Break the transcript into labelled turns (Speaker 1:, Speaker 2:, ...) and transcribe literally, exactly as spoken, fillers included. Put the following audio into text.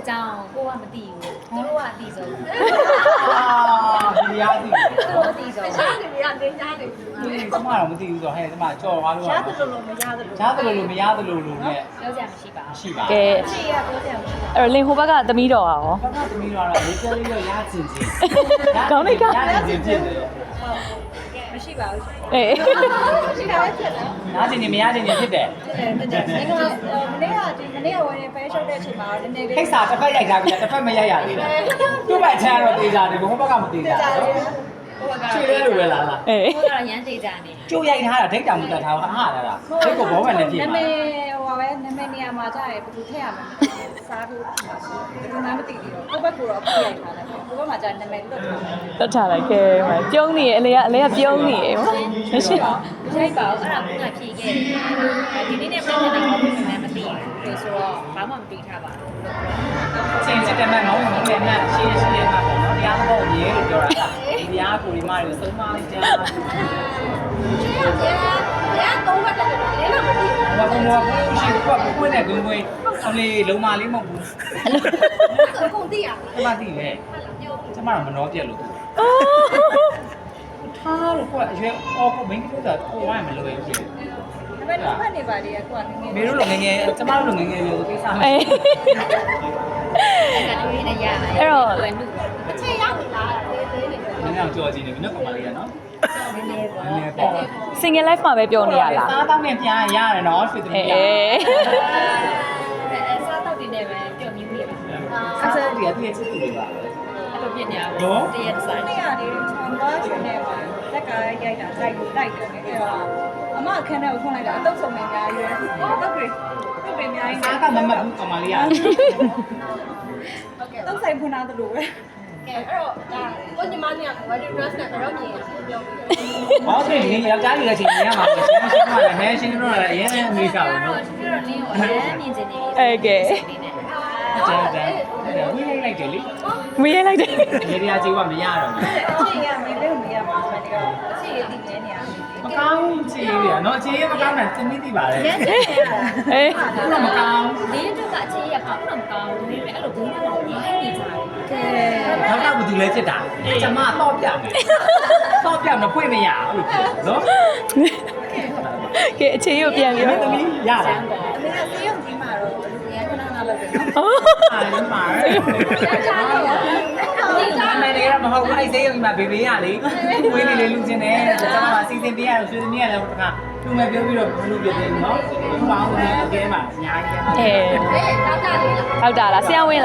Speaker 1: ကြောင်းကိုကမသိဘူးသူတို့ကအသိဆုံး
Speaker 2: အာဒီရသည်
Speaker 1: သူတို့အသိဆုံး
Speaker 3: ရှားနေပြီကနေရှားနေပြီ
Speaker 2: ကျမတော့မသိဘူးဆိုဟဲ့ကျမကြော်သွားလို့
Speaker 3: ရှားတယ်လို့လို့မရသလို
Speaker 2: ရှားတယ်လို့မရသလိုလိုနဲ့
Speaker 1: ပြောကြမရှိပါဘူး
Speaker 2: ရှိပါ
Speaker 4: ကဲ
Speaker 1: ချီရပြောကြမရှိပါ
Speaker 4: အဲ့တော့လင်ဟိုဘက်ကသမီးတော်อ่ะရော
Speaker 2: ဘာသာသမီးတော့လေကျလေးတော့ရချင်ချင်းရချင်ချင်းဖြစ်တယ်
Speaker 1: မရှိပါဘူး
Speaker 4: အေး
Speaker 3: ရှိတာပဲဖြစ်တယ်
Speaker 2: နားချင်နေမရချင်နေဖြစ်တယ်
Speaker 3: ဖြစ်တယ်ဖြစ်တယ်ငါမနေ့ကဒီမနေ့ကဝင်နေဖဲရှုပ်တဲ့အချိန်မှာနည်းနည်းလေး
Speaker 2: ခိတ်စာတစ်ဖက်ရိုက်ထားပြီတစ်ဖက်မရိုက်ရသေးဘူးသူ့ဘက်ချမ်းတော့တေးကြတယ်ဘုံဘက်ကမတေးကြ
Speaker 3: ကြာတယ်
Speaker 2: ဘူးချွေရဲလိုပဲလားလား
Speaker 4: အေး
Speaker 1: ကိုကတော့ရမ်းသေးကြနေ
Speaker 2: ကျိုးရိုက်ထားတာဒိတ်တောင်မတက်ထားဘူးအားလာတာဒိတ်ကိုဘောမှန်နဲ့ပြည့်
Speaker 3: နာ
Speaker 2: ပါ
Speaker 3: မည်ဟိုပါပဲနာမည်နေရာမှာကြာတယ်ဘယ်သူထည့်ရမလဲစားဖို့မှာရှိဘယ်သူမှမသိသေးတော့ကိုယ့်ဘက်ကတော့ပြရိုက်ထားတယ်ကိုယ့်ဘက်မှာကြာနာမည်လွတ်ထားတယ်
Speaker 4: တတ်ထားလိုက်ခဲ့မှာပြုံးနေရအလေကအလေကပြုံးနေရမမရှိပါ
Speaker 1: မရှိပါဘူးအဲ့ဒါကဖြေခဲ့တယ်ဒီနေ့နဲ့ပြန်နေတာတော့ဘယ်မှမသိဘူးဆိုတော့ဘာမှမသိထားပါဘူး
Speaker 2: ချင်းစစ်တဲ့မဲ့မောင်းမောင်းနဲ့နဲ့ရှင်းရှင်းလေးမှာပေါ့နော်တရားဘောမြဲလို့ပြောတာဒီတရားကိုဒီမတွေကိုသုံးမလိုက်ကြ
Speaker 3: ကျင်းရရတော့ဘာတက်တယ်လဲလို့မသိဘူး
Speaker 2: ဘာဘုံဘောရှိကွာပွင့်တဲ့ဂုံပွင့်အလေးလုံးမလေးမဟုတ်ဘူး
Speaker 3: အကုန်သိရ
Speaker 2: ကျမသိတယ်ကျမတော့မနှောပြက်လို့ထားလို့ကွာအရွယ်အော်ကိုမင်းတို့ကကိုဝိုင်းမလို့ပဲဖြစ်
Speaker 3: ဒါပေမဲ့ဖတ်နေပါလေကွာငငယ်
Speaker 2: မေတို့လိုငငယ်ကျမတို့လိုငငယ်မျိုးကိစ္စမ
Speaker 4: အေး
Speaker 1: ကတူရင်းနဲ့ရတာ
Speaker 4: အဲ့တော့
Speaker 1: ဝယ်နု
Speaker 3: အချိန်ရောက်ပြီလားသေးသေးနေတယ်
Speaker 2: နည်းနည်းကြော်ကြည့်နေပြီနော်ကောင်မလေးကနော်
Speaker 1: နည်းနည်းပေါ့
Speaker 2: နည်းနည်းပေါ့
Speaker 4: single life မှာပဲပြောနေရလား
Speaker 2: စားတောင်းနဲ့ပြန်ရတယ်နော်ဆွေသမီး
Speaker 4: အေး
Speaker 2: က
Speaker 1: အဲစားတော့တင်နေပဲပြုံမြူးနေပါ
Speaker 2: ဆက်ဆက်ဒီကတည်းကချစ်သူတွေပါ
Speaker 1: အဲ့လိုပြညာပေါ့တရက်စား
Speaker 3: နေ့ကနေထောင်သွားရှင်နေပါလက်ကရိုက်တာတိုက်ကိုတိုက်တယ်အဲ့တော့အမအခန်းထဲကိုထွန်းလိုက်တာအတုပ်ဆုံးနေအများကြီးပဲတုပ်တွေတုပ်တွေအများကြီး
Speaker 2: စားကမမတ်ဘူးကောင်မလေးက
Speaker 3: ဟုတ်ကဲ့တုပ်ဆိုင်ဖွင့်ထားသလိုပဲ
Speaker 5: ကဲအဲ့တော့ဒါကိုညီမလေးက wedding dress နဲ့တော့မြင်ပြောပြတယ်
Speaker 2: ဟောဆိုရင်ယောက်ျားကြီးလည်းချိန်နေရမှာရှင်းရှင်းပါလေဟဲရှင်းတော့လည်းအရင်ကအမေကပဲနော်
Speaker 1: ပြီးတော့နင်းကိုအရင်မြင်ချင်နေ
Speaker 4: အေးကဲ
Speaker 2: တဲ့တဲ့ဝိလိုက်လိုက်တယ်လေ
Speaker 4: မရလိုက်တယ်
Speaker 2: ရေရကြီးကမရတော့ဘူး
Speaker 3: အချိန်ရမေးလို့မရပါဘူးဒီကအချိန်ရတည်နေနေရ
Speaker 2: မကောင်းချီရနော်အခြေရမကောင်းတာသင်မိသိပါလေ
Speaker 1: ရမ်းချင်ရတာ
Speaker 4: အေး
Speaker 2: တော့မကောင်း
Speaker 1: နင်းတို့ကအခြေရပါဘူးမကောင်းဘူးဒါပေမဲ့အဲ့လိုဘိန်းတော့ရိုင်းနေကြတယ်ကဲ
Speaker 2: နောက်တော့ဘူးသူလဲဖြစ်တာကျမတော့ပြမယ်တော့ပြမဖွင့်မရဘူးနော်
Speaker 4: ကဲအခြေကိုပြန်ပြော
Speaker 2: မင်းသမီးရလား
Speaker 3: အမေကဆေးရုံကြီးမှာတော့လူရန်ခဏခဏလုပ်တယ်နော်
Speaker 2: အားလုံးပါအမေတွေကမဟုတ်ဘူးအဲ့ဆေးရုံမှာဘေဘေရလေဝေးနေလေလူချင်းတယ်ကျမကစီစဉ်ပေးရဆွေသမီးရတယ်တခါသူ့မဲ့ပြောပြီးတော့ဘလို့ပြတယ်နော်ဘာလို့လဲအကဲမှာအများကြီး
Speaker 4: အေး
Speaker 5: အေးတောက်တာလေးလား
Speaker 4: ဟုတ်တာလားဆရာဝန်